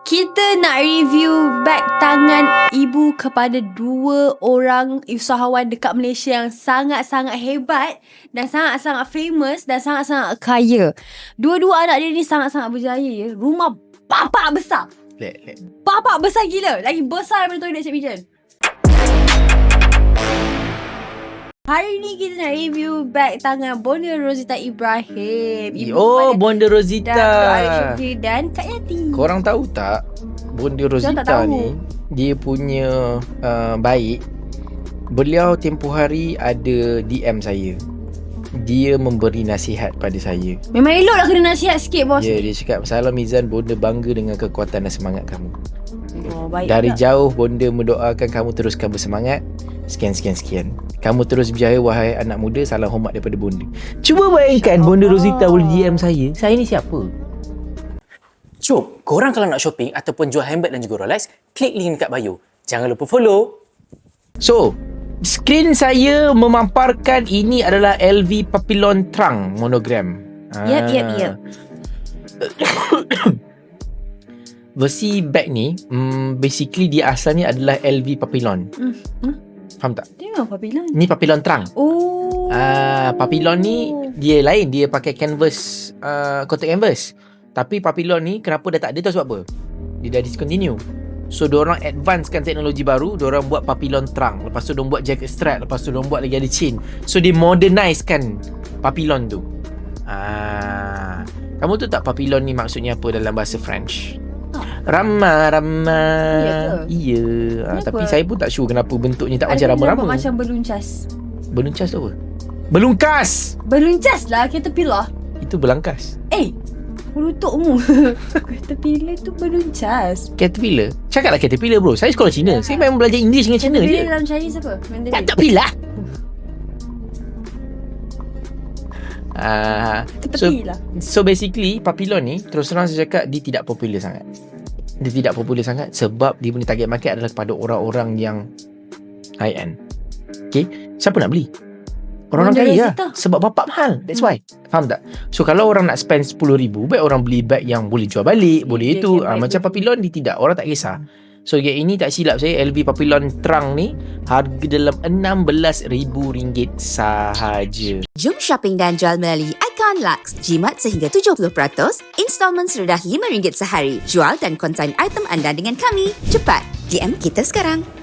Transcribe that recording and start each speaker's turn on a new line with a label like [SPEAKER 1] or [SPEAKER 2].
[SPEAKER 1] Kita nak review beg tangan ibu kepada dua orang usahawan dekat Malaysia yang sangat-sangat hebat dan sangat-sangat famous dan sangat-sangat kaya. Dua-dua anak dia ni sangat-sangat berjaya ya. Rumah bapak besar. Bapak besar gila. Lagi besar daripada toilet Cik Mijan. Hari ni kita nak review beg tangan Bonda Rozita Ibrahim.
[SPEAKER 2] Bonda Rozita
[SPEAKER 1] dan Kak Yati.
[SPEAKER 2] Korang tahu tak, Bonda Rozita ni dia punya baik. Beliau tempoh hari ada DM saya. Dia memberi nasihat pada saya.
[SPEAKER 1] Memang elok lah kena nasihat sikit bos.
[SPEAKER 2] Dia cakap, "Salam Mizan, Bonda bangga dengan kekuatan dan semangat kamu.
[SPEAKER 1] Baik
[SPEAKER 2] Dari
[SPEAKER 1] tak?
[SPEAKER 2] jauh Bonda mendoakan kamu teruskan bersemangat. Sekian. Kamu terus berjaya wahai anak muda. Salam hormat daripada Bonda." Cuba bayangkan Bonda Rozita boleh DM saya. Saya ni siapa?
[SPEAKER 3] Cuk, korang kalau nak shopping ataupun jual handbag dan juga Rolex, klik link dekat bio. Jangan lupa follow.
[SPEAKER 2] So, skrin saya memamparkan ini adalah LV Papillon Trunk monogram.
[SPEAKER 1] Yep.
[SPEAKER 2] Versi bag ni, basically dia asalnya adalah LV Papillon. Faham tak?
[SPEAKER 1] Dia memang Papillon.
[SPEAKER 2] Ni Papillon Trunk. Papillon ni dia lain. Dia pakai canvas, kotak canvas. Tapi Papillon ni kenapa dah tak ada, tahu sebab apa? Dia dah discontinue. So diorang advancekan teknologi baru. Diorang buat Papillon Trunk. Lepas tu diorang buat jacket strap. Lepas tu diorang buat lagi ada chain. So dia modernizekan Papillon tu. Kamu tahu tak Papillon ni maksudnya apa dalam bahasa French? Ramah. Iya. Tapi saya pun tak sure kenapa bentuknya tak macam rama-rama.
[SPEAKER 1] Macam beluncas.
[SPEAKER 2] Beluncas tu apa? Belungkas.
[SPEAKER 1] Beluncas lah, caterpillar.
[SPEAKER 2] Itu belangkas.
[SPEAKER 1] Pelutukmu. Caterpillar tu beluncas.
[SPEAKER 2] Caterpillar. Cakaplah caterpillar bro. Saya sekolah Cina. Saya memang belajar English dengan Cina je.
[SPEAKER 1] Caterpillar dalam Chinese apa? Mandarin.
[SPEAKER 2] Caterpillar. So basically Papillon ni terus terang saya cakap dia tidak popular sangat. Dia tidak popular sangat sebab dia punya target market adalah kepada orang-orang yang high end. Okay, siapa nak beli? Orang-orang kaya lah. Sebab bapak mahal. That's why. Faham tak? So kalau orang nak spend 10,000, baik orang beli bag yang boleh jual balik, boleh itu. Macam Papillon ni tidak. Orang tak kisah. So yang ini tak silap saya, LV Papillon Trunk ni harga dalam RM16,000 sahaja.
[SPEAKER 4] Jom shopping dan jual melalui Icon Lux. Jimat sehingga 70%, installment serendah RM5 sehari. Jual dan konsign item anda dengan kami. Cepat, DM kita sekarang.